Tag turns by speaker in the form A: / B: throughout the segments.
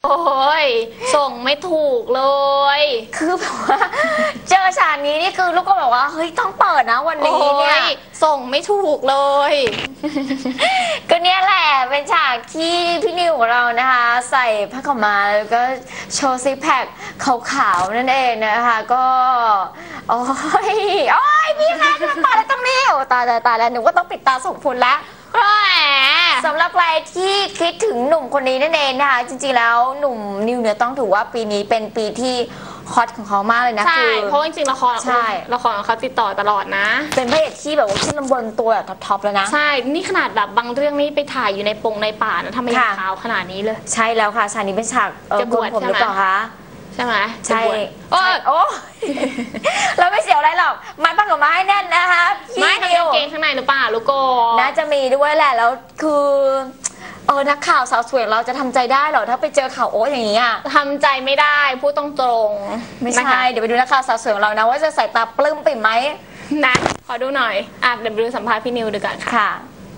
A: โอ้ยส่งไม่ถูกเลย
B: คือแบบว่าเจอฉากนี้นี่คือลูกก็บอกว่าเฮ้ยต้องเปิดนะวันนี้เนี่ย
A: ส่งไม่ถูกเลย
B: ก็เนี่ยแหละเป็นฉากที่พี่นิวของเรานะคะใส่ผ้าขาวม้าแล้วก็โชว์ซิกแพคขาวๆนั่นเองนะคะก็โอ้ยพี่แม่จะมาอะไรตรงนี้โอ้ตายแล้วหนูก็ต้องปิดตาส่งผลแล้วสำหรับใครที่คิดถึงหนุ่มคนนี้นั่นเองนะคะจริงๆแล้วหนุ่มนิวเนี่ยต้องถือว่าปีนี้เป็นปีที่ฮอตของเขามากเลยนะ
A: ใช่เพราะจริงๆละครของเขาติดต่อตลอดนะ
B: เป็นพระเอกที่แบบว่าขึ้นลำบนตัวแบบท็อปๆแล้วนะ
A: ใช่นี่ขนาดแบบบางเรื่องนี่ไปถ่ายอยู่ในป่านะทำไมยังขาวขนาดนี้เลย
B: ใช่แล้วค่ะฉากนี้เป็นฉาก
A: จะบวช
B: ผมหรือเปล่าคะ
A: ใช่ไหม
B: ใช่โอ้เราไม่เสียวอะไรหรอกมัดปังกับไม้แน่นนะคะ
A: ไม่ทำกางเกงข้างในหรือเปล่าลูกโก
B: น่าจะมีด้วยแหละแล้วคือนักข่าวสาวสวยเราจะทำใจได้เหรอถ้าไปเจอข่าวอย่างนี้
A: ทำใจไม่ได้พูดตรง
B: ๆไม่ใช่เดี๋ยวไปดูนักข่าวสาวสวยของเรานะว่าจะใส่ตาปลื้มปิ่มไหม
A: นะขอดูหน่อยเดี๋ยวไปดูสัมภาษณ์พี่นิวดูกัน
B: ค่ะ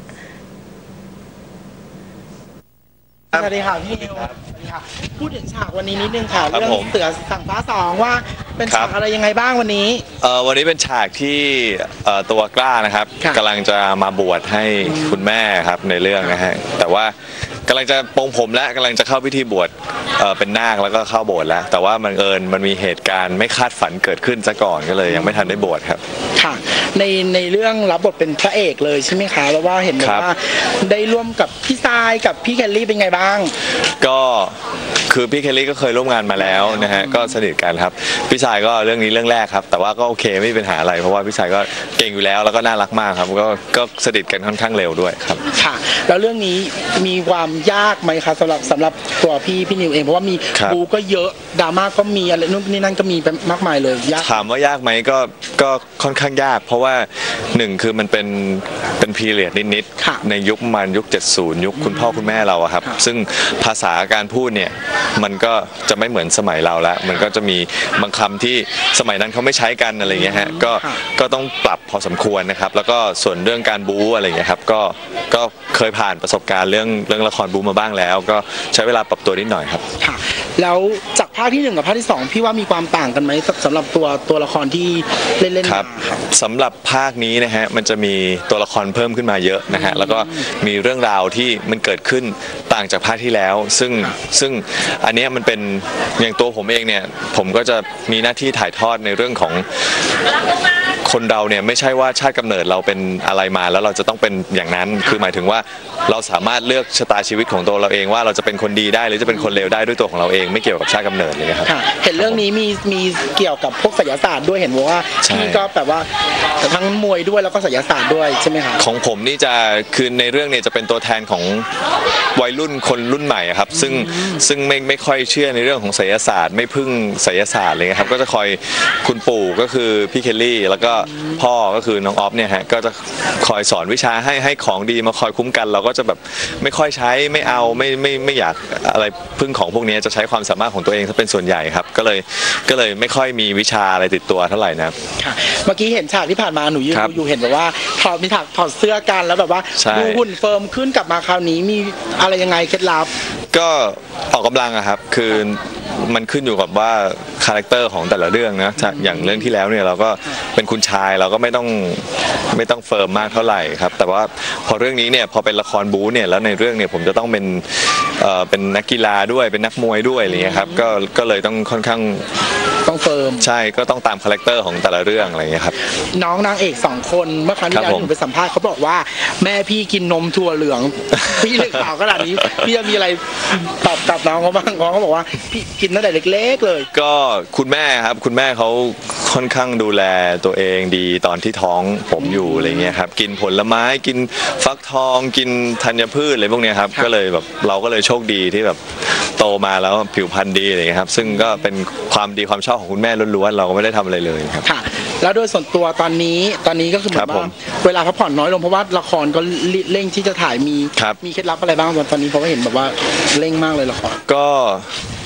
C: สวัสดีค่ะพี่นิวพูดถึงฉากวันนี้นิดนึงค่ะเรื่องเสือสั่งฟ้าสองว่าเป็นฉากอะไรยังไงบ้างวันนี้
D: วันนี้เป็นฉากที่ตัวกล้านะครับกำลังจะมาบวชให้คุณแม่ครับในเรื่องนะฮะแต่ว่ากำลังจะปลงผมและกำลังจะเข้าพิธีบวชเป็นนาคแล้วก็เข้าโบสถ์แล้วแต่ว่ามันมีเหตุการณ์ไม่คาดฝันเกิดขึ้นซะก่อนก็เลยยังไม่ทันได้บวชครับ
C: ค่ะในเรื่องรับบทเป็นพระเอกเลยใช่ไหมคะแล้วว่าเห็นว่าได้ร่วมกับพี่ทรายกับพี่แคลรี่เป็นไงบ้าง
D: ก็คือพี่แคลรี่ก็เคยร่วมงานมาแล้วนะฮะก็สนิทกันครับพี่ชายก็เรื่องนี้เรื่องแรกครับแต่ว่าก็โอเคไม่มีปัญหาอะไรเพราะว่าพี่ชายก็เก่งอยู่แล้วแล้วก็น่ารักมากครับก็สนิทกันค่อนข้างเร็วด้วยครับ
C: ค่ะแล้วเรื่องนี้มีความยากไหมคะสำหรับตัวพี่นิวเองเพราะว่ามีบูก็เยอะดราม่าก็มีอะไรนู่นนี่นั่นก็มีมากมายเลยยาก
D: ถามว่ายากไหมก็ค่อนข้างยากเพราะว่าหนึ่งคือมันเป็นพีเรียดนิดๆในยุคประมาณยุค70ยุคคุณพ่อคุณแม่เราครับซึ่งภาษาการพูดเนี่ยมันก็จะไม่เหมือนสมัยเราแล้วมันก็จะมีบางคำที่สมัยนั้นเขาไม่ใช้กันอะไรเงี้ยฮะก็ต้องปรับพอสมควรนะครับแล้วก็ส่วนเรื่องการบู๊อะไรเงี้ยครับก็เคยผ่านประสบการณ์เรื่องละครบู๊มาบ้างแล้วก็ใช้เวลาปรับตัวนิดหน่อยครับ
C: ค่ะแล้วจากภาคที่1กับภาคที่2พี่ว่ามีความต่างกันไหมสำหรับตัวละครที่เล่น
D: ครับสำหรับภาคนี้นะฮะมันจะมีตัวละครเพิ่มขึ้นมาเยอะนะฮะแล้วก็มีเรื่องราวที่มันเกิดขึ้นต่างจากภาคที่แล้วซึ่งอันนี้มันเป็นอย่างตัวผมเองเนี่ยผมก็จะมีหน้าที่ถ่ายทอดในเรื่องของคนเราเนี่ยไม่ใช่ว่าชาติกำเนิดเราเป็นอะไรมาแล้วเราจะต้องเป็นอย่างนั้นคือหมายถึงว่าเราสามารถเลือกชะตาชีวิตของตัวเราเองว่าเราจะเป็นคนดีได้หรือจะเป็นคนเลวได้ด้วยตัวของเราเองไม่เกี่ยวกับชาติกำเนิดเลยครับ
C: เห็นเรื่องนี้มีเกี่ยวกับพวกไสยศาสตร์ด้วยเห็นว่าพี่ก็แบบว่าทั้งมวยด้วยแล้วก็ไสยศาสตร์ด้วยใช่ไหมครับ
D: ของผมนี่จะคือในเรื่องเนี่ยจะเป็นตัวแทนของวัยรุ่นคนรุ่นใหม่ครับซึ่งไม่ค่อยเชื่อในเรื่องของไสยศาสตร์ไม่พึ่งไสยศาสตร์เลยครับก็จะคอยคุณปู่ก็คือพี่เคลลี่แล้วก็พ่อก็คือน้องออฟเนี่ยฮะก็จะคอยสอนวิชาให้ของดีมาคอยคุ้มกันเราก็จะแบบไม่ค่อยใช้ไม่เอาไม่อยากอะไรพึ่งของพวกนี้จะใช้ความสามารถของตัวเองถ้าเป็นส่วนใหญ่ครับก็เลยไม่ค่อยมีวิชาอะไรติดตัวเท่าไหร่นะ
C: ค่ะเมื่อกี้เห็นฉากที่ผ่านมาหนูอยู่เห็นแบบว่ามีฉากถอดเสื้อกันแล้วแบบว่าดูหุ่นเฟิร์มขึ้นกลับมาคราวนี้มีอะไรยังไงเคล็ดลับ
D: ก็ออกกำลังอะครับคือมันขึ้นอยู่กับว่าคาแรคเตอร์ของแต่ละเรื่องนะอย่างเรื่องที่แล้วเนี่ยเราก็เป็นคุณชายเราก็ไม่ต้องเฟิร์มมากเท่าไหร่ครับแต่ว่าพอเรื่องนี้เนี่ยพอเป็นละครบู๊เนี่ยแล้วในเรื่องเนี่ยผมจะต้องเป็นนักกีฬาด้วยเป็นนักมวยด้วยอะไรเงี้ยครับก็เลยต้องค่อนข้าง
C: ต้องเฟิร์ม
D: ใช่ก็ต้องตามคาแรคเตอร์ของแต่ละเรื่องอะไรเงี้ยครับ
C: น้องนางเอก2คนเมื่อครั้งที่แล้วหนูไปสัมภาษณ์เขาบอกว่าแม่พี่กินนมถั่วเหลืองพี่เลือกข่าวขนาดนี้พี่จะมีอะไรตอบกับน้องเขาบ้างน้องเขาบอกว่าพี่กินตั้งแต่เล็กๆเลย
D: ก็คุณแม่ครับคุณแม่เขาค่อนข้างดูแลตัวเองดีตอนที่ท้องผมอยู่อะไรเงี้ยครับกินผลไม้กินฟักทองกินธัญพืชอะไรพวกนี้ครับก็เลยแบบเราก็เลยโชคดีที่แบบโตมาแล้วผิวพรรณดีอะไรเงี้ยครับซึ่งก็เป็นความดีความชอบของคุณแม่ล้วนๆเราก็ไม่ได้ทำอะไรเลยครับ
C: ค่ะแล้วโดยส่วนตัวตอนนี้ก็คือเหมือนว่าเวลาพักผ่อนน้อยลงเพราะว่าละครก็เร่งที่จะถ่ายมีเคล็ดลับอะไรบ้างตอนนี้เพราะว่าเห็นแบบว่าเร่งมากเลยละคร
D: ก็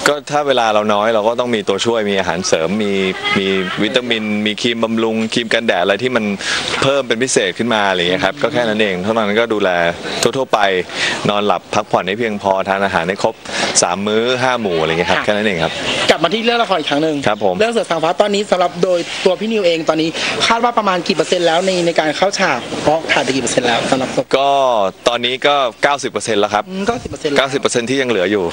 D: ก็ถ้าเวลาเราน้อยเราก็ต้องมีตัวช่วยมีอาหารเสริมมีวิตามินมีครีมบำรุงครีมกันแดดอะไรที่มันเพิ่มเป็นพิเศษขึ้นมาอะไรอย่างเงี้ยครับก็แค่นั้นเองเท่านั้นก็ดูแลทั่วๆไปนอนหลับพักผ่อนให้เพียงพอทานอาหารให้ครบ3 มื้อ 5 หมู่อะไรเงี้ยครับแค่นั้นเองครับ
C: กลับมาที่เรื่องละครอีกครั้งหนึ่ง
D: ครับผม
C: เรื่องเสือสางฟ้าตอนนี้สำหรับโดยตัวพี่นิวเองตอนนี้คาดว่าประมาณกี่เปอร์เซ็นต์แล้วในการเข้าฉากเพราะขาดไปกี่เปอร์เซ็นต์แล้วสำหรับ
D: ก็ตอนนี้ก็ 90% แล้วครับ 90% ที่ยังเหลืออยู่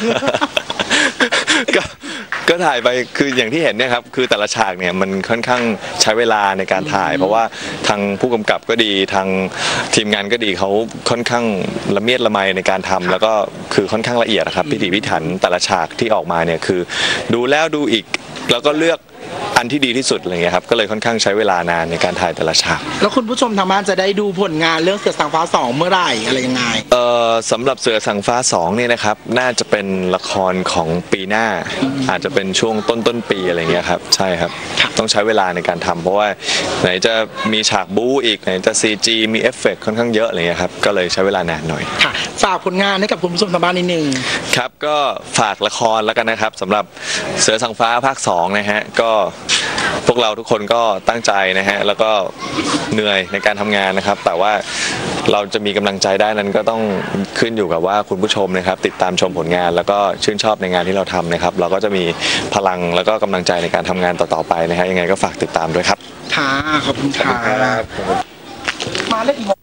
D: ก็ถ่ายไปคืออย่างที่เห็นเนี่ยครับคือแต่ละฉากเนี่ยมันค่อนข้างใช้เวลาในการถ่ายเพราะว่าทางผู้กำกับก็ดีทางทีมงานก็ดีเขาค่อนข้างละเมียดละไมในการทำแล้วก็คือค่อนข้างละเอียดนะครับพิถีพิถันแต่ละฉากที่ออกมาเนี่ยคือดูแล้วดูอีกแล้วก็เลือกอันที่ดีที่สุดอะไรเงี้ยครับก็เลยค่อนข้างใช้เวลานานในการถ่ายแต่ละฉาก
C: แล้วคุณผู้ชมทางบ้านจะได้ดูผลงานเรื่องเสือสางฟ้า2เมื่อไหร่อะไรยังไง
D: สำหรับเสือสางฟ้า2เนี่ยนะครับน่าจะเป็นละครของปีหน้าอาจจะเป็นช่วงต้นปีอะไรเงี้ยครับใช่ครับต้องใช้เวลาในการทำเพราะว่าไหนจะมีฉากบู๊อีกไหนจะ CG มีเอฟเฟกต์ค่อนข้างเยอะอะไรเงี้ยครับก็เลยใช้เวลานานหน่อย
C: ค่ะฝากผลงานให้กับคุณผู้ชมทางบ้านนิดนึง
D: ครับก็ฝากละครแล้วกันนะครับสำหรับเสือสางฟ้าภาค2นะฮะก็พวกเราทุกคนก็ตั้งใจนะฮะแล้วก็เหนื่อยในการทำงานนะครับแต่ว่าเราจะมีกำลังใจได้นั้นก็ต้องขึ้นอยู่กับว่าคุณผู้ชมนะครับติดตามชมผลงานแล้วก็ชื่นชอบในงานที่เราทำนะครับเราก็จะมีพลังแล้วก็กำลังใจในการทำงานต่อๆไปนะฮะยังไงก็ฝากติดตามด้วยครับ
C: ค่ะขอบคุณค่ะมาได้กี่โมง